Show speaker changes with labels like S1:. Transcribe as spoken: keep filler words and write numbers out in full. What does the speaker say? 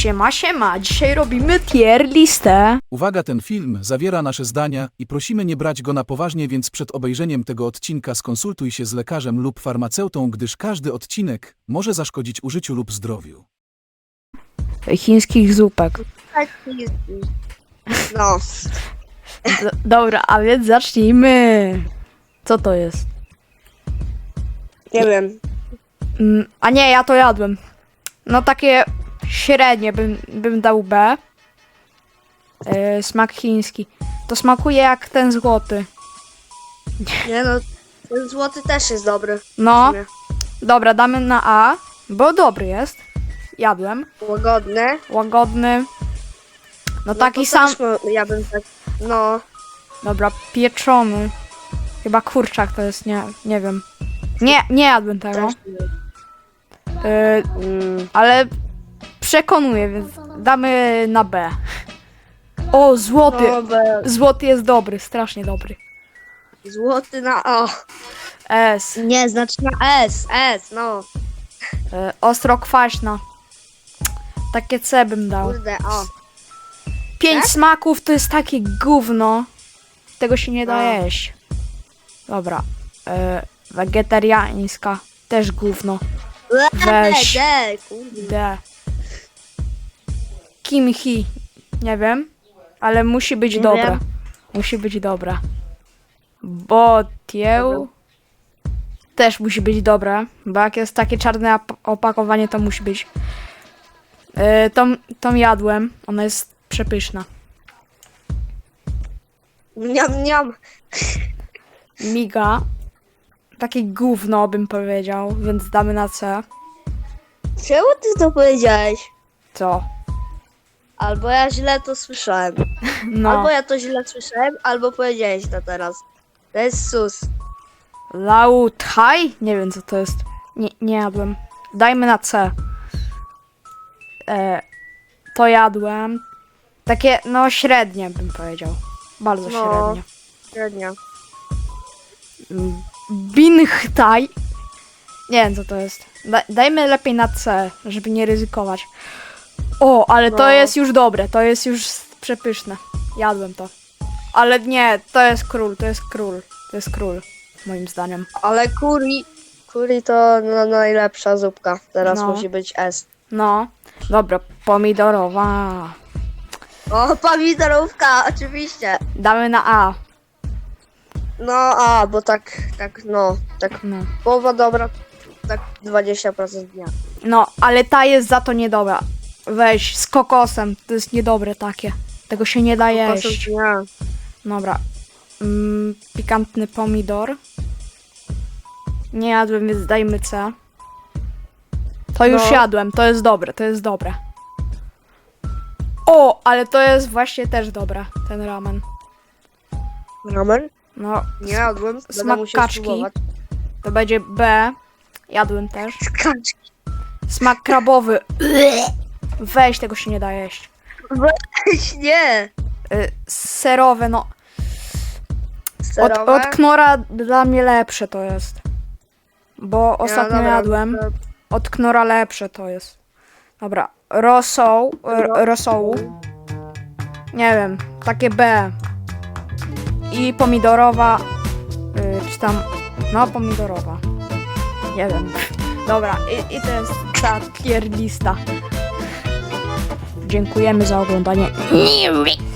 S1: Siema, siema, dzisiaj robimy tier listę.
S2: Uwaga, ten film zawiera nasze zdania i prosimy nie brać go na poważnie, więc przed obejrzeniem tego odcinka skonsultuj się z lekarzem lub farmaceutą, gdyż każdy odcinek może zaszkodzić użyciu lub zdrowiu.
S1: Chińskich zupek.
S3: No,
S1: D- dobra, a więc zacznijmy. Co to jest?
S3: nie wiem.
S1: Mm, a nie, ja to jadłem. No takie średnie bym, bym dał B. Yy, smak chiński. To smakuje jak ten złoty.
S3: Nie no, ten złoty też jest dobry. w
S1: No,
S3: sumie.
S1: dobra, damy na A, bo dobry jest. Jadłem.
S3: Łagodny.
S1: Łagodny. No
S3: No
S1: taki
S3: to
S1: sam.
S3: też mo- ja bym tak, no,
S1: Dobra, pieczony. Chyba kurczak to jest, nie, nie wiem. Nie, nie jadłem tego.
S3: też nie.
S1: Yy,
S3: Mm,
S1: ale przekonuję, więc damy na B. O, złoty.
S3: no, be-
S1: Złoty jest dobry, strasznie dobry.
S3: złoty na O.
S1: S.
S3: Nie, znaczy na S, S, no.
S1: Yy, ostro kwaśna. Takie C bym dał.
S3: Kurde, O.
S1: Pięć
S3: tak?
S1: smaków to jest takie gówno. Tego się nie da
S3: No.
S1: jeść. Dobra. Yy, wegetariańska. Też gówno. Weź.
S3: D, kurde.
S1: D. Kimchi. Nie wiem. Ale musi być
S3: Nie
S1: dobra.
S3: wiem.
S1: Musi być dobra. Botieł. Też musi być dobre. Bo jak jest takie czarne op- opakowanie, to musi być. Yy, tą, tą jadłem. Ona jest przepyszna.
S3: Niam, niam.
S1: Miga. Takie gówno bym powiedział, więc damy na C.
S3: Czemu ty to powiedziałeś?
S1: Co?
S3: Albo ja źle to słyszałem.
S1: No.
S3: Albo ja to źle słyszałem, albo powiedziałeś to teraz. To jest sus.
S1: Lau Thai? Nie wiem co to jest. Nie, nie jadłem. Dajmy na C. E, to jadłem. Takie, no średnie bym powiedział. Bardzo
S3: No.
S1: średnie.
S3: Średnio.
S1: Mm, Binh Thai? Nie wiem co to jest. Da, dajmy lepiej na C, żeby nie ryzykować. O, ale to
S3: No.
S1: jest już dobre. To jest już przepyszne. Jadłem to. Ale nie, to jest król, to jest król. To jest król, moim zdaniem.
S3: Ale curry, curry to no, najlepsza zupka. Teraz
S1: No.
S3: musi być S.
S1: No, dobra, pomidorowa.
S3: O, pomidorówka, oczywiście.
S1: Damy na A.
S3: No, a, bo tak, tak, no, tak
S1: No.
S3: połowa dobra, tak dwadzieścia procent dnia.
S1: no, ale ta jest za to niedobra. Weź, z kokosem, to jest niedobre takie. Tego się nie da jeść.
S3: Procent dnia.
S1: Dobra. Mm, pikantny pomidor. Nie jadłem, więc dajmy C. To już
S3: No.
S1: jadłem, to jest dobre, to jest dobre. O, ale to jest właśnie też dobre, ten ramen.
S3: Ramen?
S1: No,
S3: Nie jadłem, będę
S1: smak
S3: musiał
S1: kaczki.
S3: spróbować.
S1: to będzie B. Jadłem też.
S3: Kaczki.
S1: Smak krabowy. Weź, tego się nie da jeść.
S3: Weź, nie.
S1: Y, serowe, no. Od,
S3: Serowe?
S1: od Knora dla mnie lepsze to jest. Bo ostatnio
S3: dobra,
S1: jadłem.
S3: to-
S1: Od Knora lepsze to jest. Dobra. Rosoł. r- Rosołu. Nie wiem. Takie B. I pomidorowa. Y, czy tam. No, pomidorowa. Nie wiem. Dobra. I, i to jest ta tier lista. Dziękujemy za oglądanie.